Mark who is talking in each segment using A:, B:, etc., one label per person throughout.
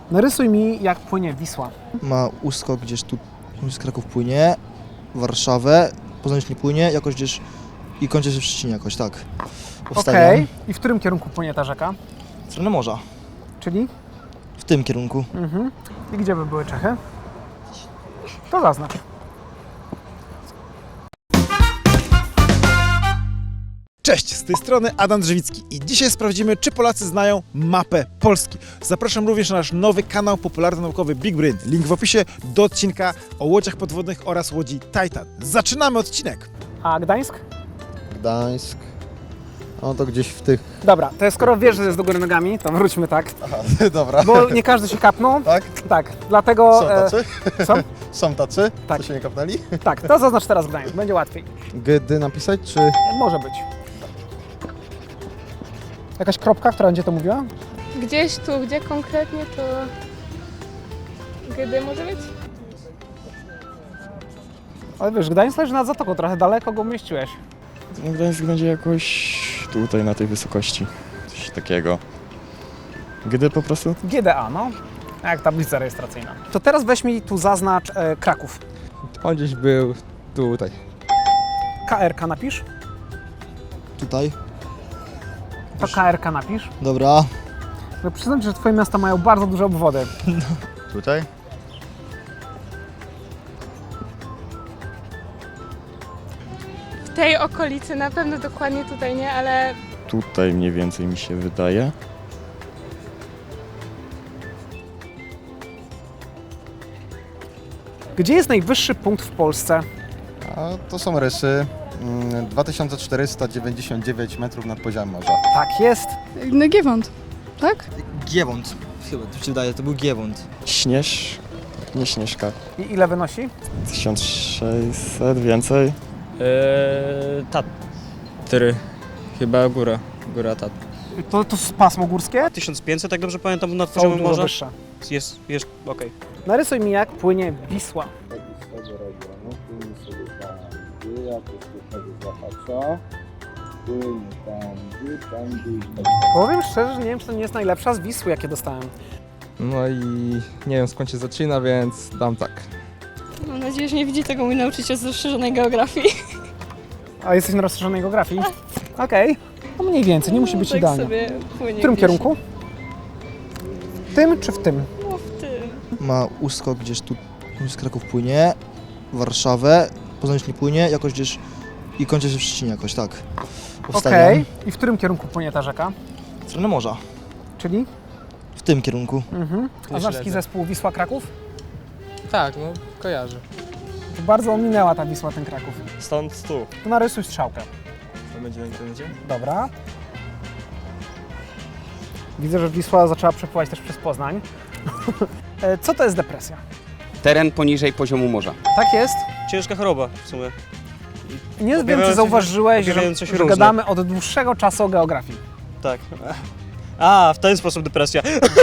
A: Narysuj mi, jak płynie Wisła.
B: Ma uskok gdzieś tu z Kraków płynie, Warszawę, Poznań nie płynie, jakoś gdzieś i kończy się w Szczecinie jakoś, tak.
A: Okej. I w którym kierunku płynie ta rzeka?
B: W stronę morza.
A: Czyli?
B: W tym kierunku.
A: I gdzie by były Czechy? To zaznacz.
C: Cześć, z tej strony Adam Drzewicki i dzisiaj sprawdzimy, czy Polacy znają mapę Polski. Zapraszam również na nasz nowy kanał popularno-naukowy Big Brain. Link w opisie do odcinka o łodziach podwodnych oraz łodzi Titan. Zaczynamy odcinek!
A: A Gdańsk?
D: Gdańsk. No to gdzieś w tych...
A: Dobra, to skoro wiesz, że jest do góry nogami, to wróćmy tak.
D: Aha, dobra.
A: Bo nie każdy się kapnął.
D: Tak?
A: Tak, dlatego...
D: Są tacy?
A: Co?
D: Są tacy?
A: Tak.
D: Co się nie kapnęli?
A: Tak, to zaznacz teraz Gdańsk, będzie łatwiej.
D: Gdy napisać, czy...
A: Może być. Jakaś kropka, która będzie to mówiła?
E: Gdzieś tu, gdzie konkretnie to... Gdy może być?
A: Ale wiesz, Gdańsk leży nad zatoką, trochę daleko go umieściłeś.
F: Gdańsk będzie jakoś tutaj na tej wysokości. Coś takiego. Gdy po prostu?
A: GDA, no. Jak tablica rejestracyjna. To teraz weź mi tu zaznacz Kraków.
G: On gdzieś był tutaj.
A: KRK napisz.
B: Tutaj.
A: To KRK napisz.
B: Dobra.
A: Bo przyznam ci, że twoje miasta mają bardzo duże obwody.
D: Tutaj?
E: W tej okolicy, na pewno dokładnie tutaj nie, ale
F: Tutaj mniej więcej mi się wydaje.
A: Gdzie jest najwyższy punkt w Polsce?
D: A to są rysy. 2499 metrów nad poziomem morza.
A: Tak jest.
H: No Giewont, tak?
B: Giewont. Chyba, to się wydaje, to był Giewont.
F: Nie Śnieżka.
A: I ile wynosi?
F: 1600, więcej.
I: Tatry. Chyba góra Tatry.
A: To jest pasmo górskie?
J: 1500, tak dobrze pamiętam, nad
A: Są
J: poziomem
A: dużo
J: morza.
A: wyższe.
J: Jest, okej.
A: Narysuj mi, jak płynie Wisła. Powiem szczerze, że nie wiem, czy to nie jest najlepsza z Wisły, jakie dostałem.
G: No i nie wiem skąd się zaczyna, więc dam tak.
E: mam nadzieję, że nie widzi tego mój nauczyciel z rozszerzonej geografii.
A: A jesteś na rozszerzonej geografii? Okej. No mniej więcej, nie musi być
E: tak
A: idealnie.
E: sobie płynie
A: W którym
E: gdzieś.
A: kierunku? W tym czy w tym?
E: No w tym.
B: Ma uskok gdzieś tu z Kraków płynie, Warszawę, Poznań nie płynie, jakoś gdzieś i kończy się w Szczecinie jakoś, tak.
A: Okej. I w którym kierunku płynie ta rzeka?
B: W stronę morza.
A: Czyli?
B: W tym kierunku.
A: A znasz taki zespół Wisła Kraków?
G: Tak, no kojarzę.
A: To bardzo ominęła ta Wisła ten Kraków.
F: Stąd tu.
A: To narysuj strzałkę.
F: To będzie na internecie?
A: Dobra. Widzę, że Wisła zaczęła przepływać też przez Poznań. Co to jest depresja?
I: Teren poniżej poziomu morza.
A: Tak jest.
J: Ciężka choroba w sumie.
A: Nie wiem, czy
J: Objawiające-
A: zauważyłeś, że
J: objawiające się różne.
A: gadamy od dłuższego czasu o geografii.
J: Tak. A, w ten sposób depresja.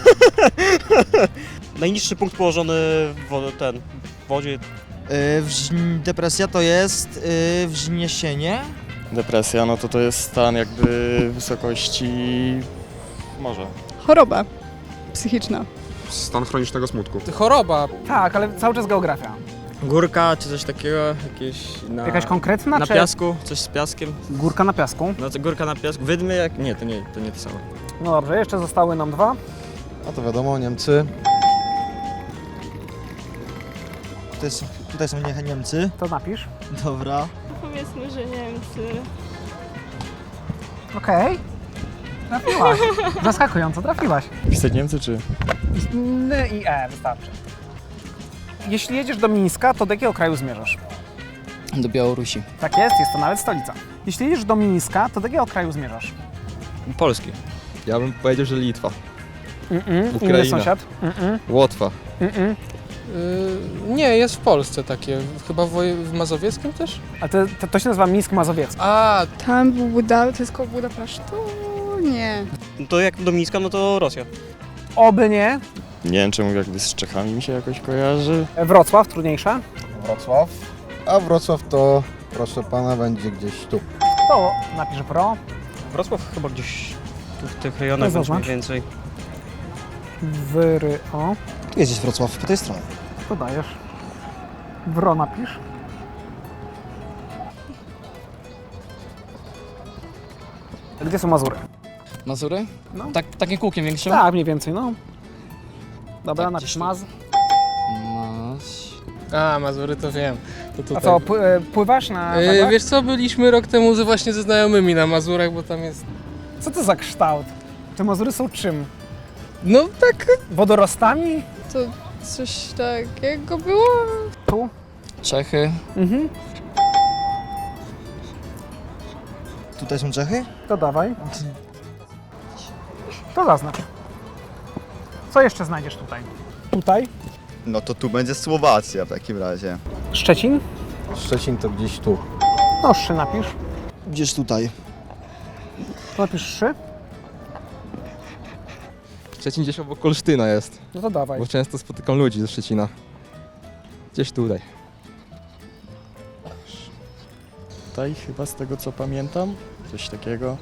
J: Najniższy punkt położony w wodzie.
B: Depresja to jest wzniesienie.
F: Depresja, no to jest stan jakby wysokości morza.
H: Choroba psychiczna.
G: Stan chronicznego smutku. Choroba.
A: Tak, ale cały czas geografia.
I: Górka czy coś takiego, jakieś
A: Jakaś konkretna,
I: na
A: czy
I: piasku, coś z piaskiem.
A: górka na piasku?
I: No to górka na piasku. Wydmy jak... Nie, to nie to samo.
A: No dobrze, jeszcze zostały nam dwa.
D: A to wiadomo, Niemcy.
B: Tutaj są Niemcy.
A: To napisz.
B: Dobra.
E: Powiedzmy, że Niemcy.
A: Okej. Trafiłaś. Zaskakująco, trafiłaś.
F: Pisać Niemcy czy?
A: N i E wystarczy. Jeśli jedziesz do Mińska, to do jakiego kraju zmierzasz?
B: Do Białorusi.
A: Tak jest to nawet stolica. Jeśli jedziesz do Mińska, to do jakiego kraju zmierzasz?
I: Polski.
G: Ja bym powiedział, że Litwa.
A: Inny
G: Ukraina.
A: sąsiad?
G: Łotwa.
K: Nie, jest w Polsce takie. Chyba w Mazowieckim też?
A: A to się nazywa Mińsk Mazowiecki.
K: A,
H: Tam był to jest koło Budapesztu? Nie.
J: No to jak do Mińska, no to Rosja.
A: Oby nie.
F: Nie wiem czemu jakby z Czechami mi się jakoś kojarzy.
A: Wrocław, trudniejsze.
D: Wrocław. A Wrocław to, proszę pana, będzie gdzieś tu.
A: To napisz pro.
J: Wrocław chyba gdzieś tu w tych rejonach
A: No
J: będzie
A: zobacz.
J: mniej więcej.
A: O.
B: Tu jest gdzieś Wrocław, po tej stronie.
A: To dajesz. Wro napisz. Gdzie są Mazury?
K: Mazury?
A: No.
K: Tak, takim kółkiem większym?
A: Tak, mniej więcej, no. Dobra,
K: Tak,
A: napisz
K: gdzieś tu.
A: Maz.
K: A, Mazury to wiem. To tutaj.
A: A co, pływasz na wagach?
K: Wiesz co, byliśmy rok temu właśnie ze znajomymi na Mazurach, bo tam jest...
A: Co to za kształt? Te Mazury są czym?
K: No tak...
A: Wodorostami?
H: To coś takiego było?
A: Tu?
K: Czechy.
A: Mhm.
B: Tutaj są Czechy?
A: To dawaj. To zaznacz. Co jeszcze znajdziesz tutaj? Tutaj?
D: No to tu będzie Słowacja w takim razie.
A: Szczecin?
D: Szczecin to gdzieś tu.
A: No, Szy napisz.
B: Gdzieś tutaj.
A: To napisz Szy.
G: Szczecin gdzieś obok Olsztyna jest,
A: No to dawaj.
G: bo często spotykam ludzi ze Szczecina. Gdzieś tutaj.
F: Tutaj chyba z tego co pamiętam, coś takiego.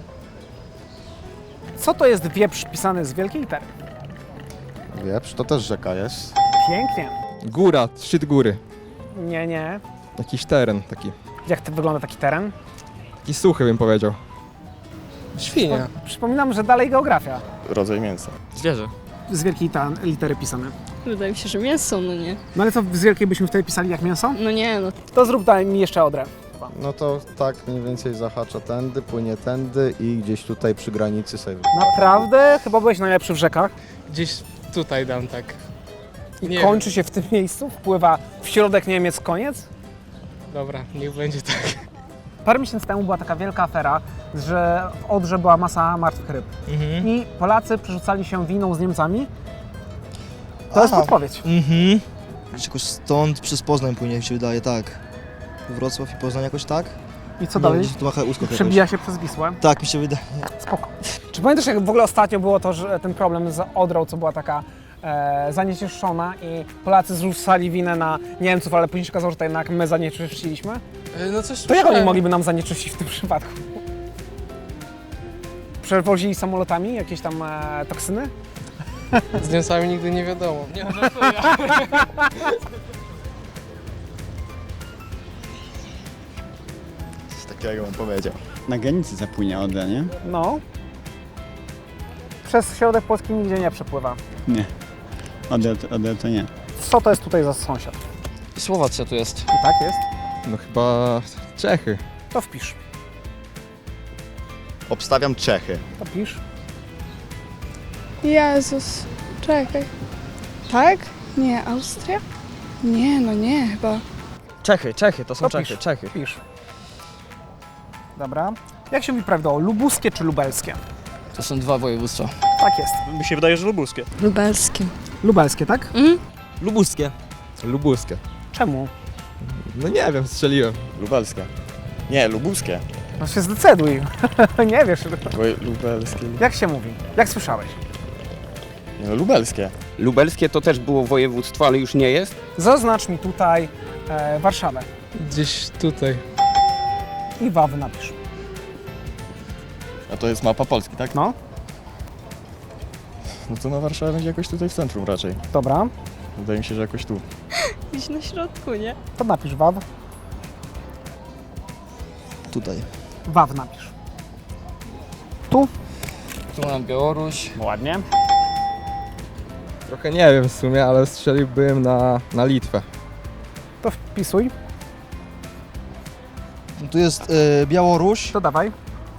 A: Co to jest wieprz pisany z wielkiej litery?
D: Wieprz, to też rzeka jest.
A: Pięknie.
G: Góra, szczyt góry.
A: Nie.
G: Jakiś teren taki.
A: Jak to wygląda taki teren?
G: Taki suchy bym powiedział.
K: Świnia.
A: Przypominam, że dalej geografia.
F: Rodzaj mięsa.
I: Zwierzę.
A: Z wielkiej litery pisane.
E: Wydaje mi się, że mięso, no nie.
A: No ale co z wielkiej byśmy wtedy pisali jak mięso?
E: No nie, no.
A: To zrób daj mi jeszcze Odrę.
D: No to tak mniej więcej zahacza tędy, płynie tędy i gdzieś tutaj przy granicy sobie.
A: Naprawdę? Chyba byłeś najlepszy w rzekach.
K: Gdzieś tutaj dam tak.
A: I
K: Nie
A: kończy się w tym miejscu, wpływa w środek Niemiec, koniec.
K: Dobra, niech będzie tak.
A: Parę miesięcy temu była taka wielka afera, że w Odrze była masa martwych ryb. I Polacy przerzucali się winą z Niemcami. To jest podpowiedź.
B: Gdzieś jakoś stąd przez Poznań płynie, mi się wydaje, tak. Wrocław i Poznań jakoś tak?
A: I co
B: Nie,
A: dalej?
B: gdzieś tu macha uskok jakoś.
A: Przebija się przez Wisłę.
B: Tak, mi się wydaje.
A: Spoko. Czy pamiętasz, jak w ogóle ostatnio było to, że ten problem z Odrą, co była taka zanieczyszczona i Polacy zrzucali winę na Niemców, ale później się okazało, że to jednak my zanieczyszczyliśmy?
K: No coś
A: To jak oni
K: słyszałem.
A: mogliby nam zanieczyścić w tym przypadku? Przewozili samolotami jakieś tam toksyny?
K: Z Niemcami nigdy nie wiadomo. Nie, żartuję.
F: Coś takiego bym powiedział.
D: Na granicy zapłynie Odra, nie?
A: No. Przez środek Polski nigdzie nie przepływa.
D: Nie. Odra to nie.
A: Co to jest tutaj za sąsiad?
K: Słowacja tu jest.
A: I tak jest.
G: No chyba Czechy.
A: To wpisz.
D: Obstawiam Czechy.
A: To pisz.
H: Jezus, czekaj. Tak? Nie, Austria? Nie, no nie, chyba.
I: Czechy, to są
A: To
I: Czechy,
A: pisz.
I: Czechy.
A: Pisz. Dobra. Jak się mówi prawidłowo? Lubuskie czy lubelskie?
K: To są dwa województwa.
A: Tak jest.
J: Mi się wydaje, że lubuskie.
E: Lubelskie.
A: Lubelskie, tak?
I: Lubuskie.
G: Lubuskie.
A: Czemu?
G: No nie wiem, strzeliłem.
F: Lubelskie. Nie, lubuskie.
A: No się zdecyduj. Nie wiesz.
F: Lubelskie.
A: Jak się mówi? Jak słyszałeś?
F: Nie, no lubelskie.
L: Lubelskie to też było województwo, ale już nie jest.
A: Zaznacz mi tutaj Warszawę.
K: Gdzieś tutaj.
A: I Wawy napisz.
F: A to jest mapa Polski, tak?
A: No.
F: No to na Warszawa będzie jakoś tutaj w centrum raczej.
A: Dobra.
F: Wydaje mi się, że jakoś tu.
E: Gdzieś na środku, nie?
A: To napisz Waw.
B: Tutaj.
A: Waw napisz. Tu.
K: Tu mam Białoruś.
A: Ładnie.
G: Trochę nie wiem w sumie, ale strzeliłbym na Litwę.
A: To wpisuj.
B: Tu jest Białoruś.
A: To dawaj.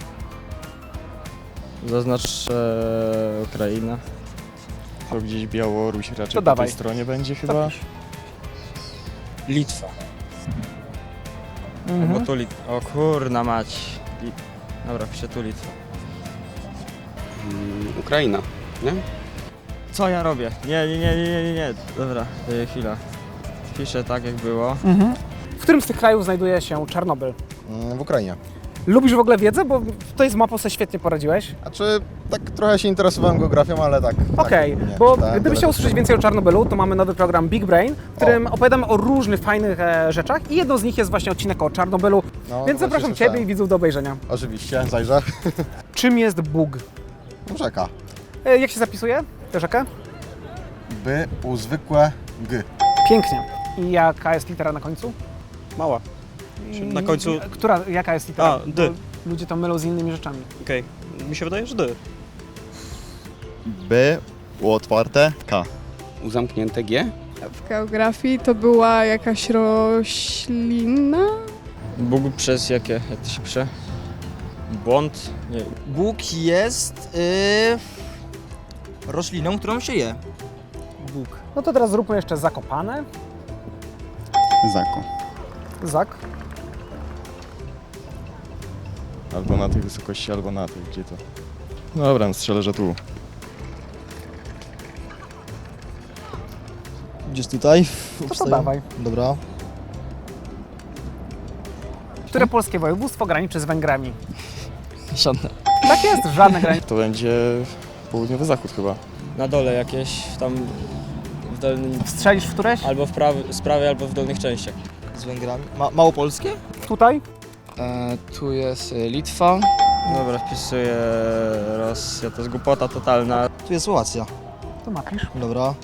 I: Zaznacz Ukraina.
F: To gdzieś Białoruś raczej
A: To
F: po
A: dawaj.
F: tej stronie będzie
A: To
F: chyba.
A: pisz.
K: Litwa.
A: Mhm.
I: Bo tu O kurna mać. Dobra, piszę tu Litwa.
L: Ukraina, nie?
I: Co ja robię? Nie. Dobra, chwila. Piszę tak jak było.
A: Mhm. W którym z tych krajów znajduje się Czarnobyl?
D: W Ukrainie.
A: Lubisz w ogóle wiedzę? Bo tutaj z mapą sobie świetnie poradziłeś.
D: Znaczy, tak trochę się interesowałem geografią, ale tak.
A: Okej,
D: tak, nie
A: bo
D: czytałem
A: gdybyś
D: tyle.
A: chciał usłyszeć więcej o Czarnobylu, to mamy nowy program Big Brain, w którym opowiadamy o różnych fajnych rzeczach i jedną z nich jest właśnie odcinek o Czarnobylu,
D: No,
A: więc
D: właśnie
A: zapraszam
D: słyszałem.
A: Ciebie i widzów do obejrzenia.
D: Oczywiście, zajrzę.
A: Czym jest Bóg?
D: Rzeka.
A: Jak się zapisuje? Wiesz jakie?
D: B u zwykłe G.
A: Pięknie. I jaka jest litera na końcu?
J: Mała. Na końcu...
A: Jaka jest litera?
J: A, D.
A: Bo ludzie to mylą z innymi rzeczami.
J: Okej. Mi się wydaje, że D.
F: B, U otwarte, K.
L: U zamknięte G?
H: W geografii to była jakaś roślina?
I: Bóg przez jakie? Jak to się pisze? Błąd? Nie.
B: Bóg jest rośliną, którą się je. Bóg.
A: No to teraz zróbmy jeszcze Zakopane.
F: Zako.
A: Zak.
F: Albo na tej wysokości, albo na tej, gdzie to? Dobra, strzelę, że tu.
B: Gdzieś tutaj.
A: To dawaj.
B: Dobra.
A: Które polskie województwo graniczy z Węgrami?
I: Żadne.
A: Tak jest, żadne granice.
F: To będzie południowy zachód chyba.
I: Na dole jakieś tam w dolnym...
A: Strzelisz w któreś?
I: Albo z prawej, albo w dolnych częściach.
B: Z Węgrami. Małopolskie?
A: Tutaj?
G: Tu jest Litwa.
I: Dobra, wpisuję Rosja, to jest głupota totalna.
B: Tu jest Słowacja.
A: To napisz.
B: Dobra.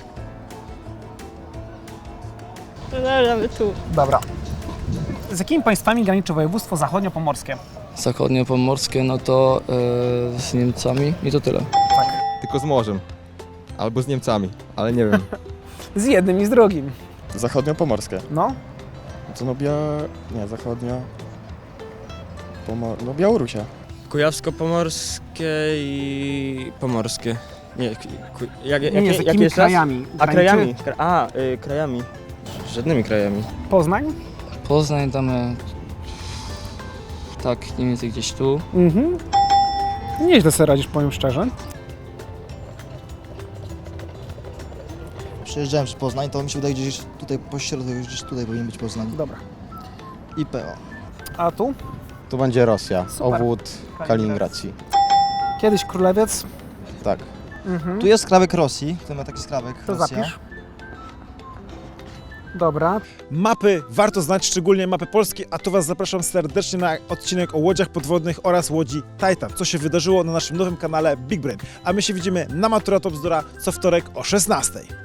E: Tu.
A: Dobra. Z jakimi państwami graniczy województwo zachodniopomorskie?
G: Zachodniopomorskie, no to z Niemcami i to tyle. Tylko z morzem. Albo z Niemcami, ale nie wiem.
A: Z jednym i z drugim.
F: Zachodniopomorskie.
A: No.
F: Co no nie, zachodnio... No Białorusia.
I: Kujawsko-pomorskie i pomorskie. Nie,
A: Nie,
I: jakie
A: z jakimi
I: jest raz?
A: krajami?
I: A
A: graniczy?
I: krajami. Krajami. Żadnymi krajami.
A: Poznań?
G: Poznań damy... Tak, mniej więcej gdzieś tu.
A: Mhm. Nieźle sobie radzisz, powiem szczerze.
B: Przejeżdżałem przez Poznań, to mi się wydaje gdzieś tutaj po środku, gdzieś tutaj powinien być Poznań.
A: Dobra.
B: I PO.
A: A tu?
D: Tu będzie Rosja,
A: Super.
D: obwód Kaliningracji.
A: Kiedyś królewiec.
D: Tak.
A: Mhm.
B: Tu jest skrawek Rosji, tu ma taki skrawek
A: To
B: Rosja.
A: zapisz. Dobra.
C: Mapy warto znać, szczególnie mapy polskie, a tu Was zapraszam serdecznie na odcinek o łodziach podwodnych oraz łodzi Titan, co się wydarzyło na naszym nowym kanale Big Brain. A my się widzimy na Matura to Bzdura co wtorek o 16:00.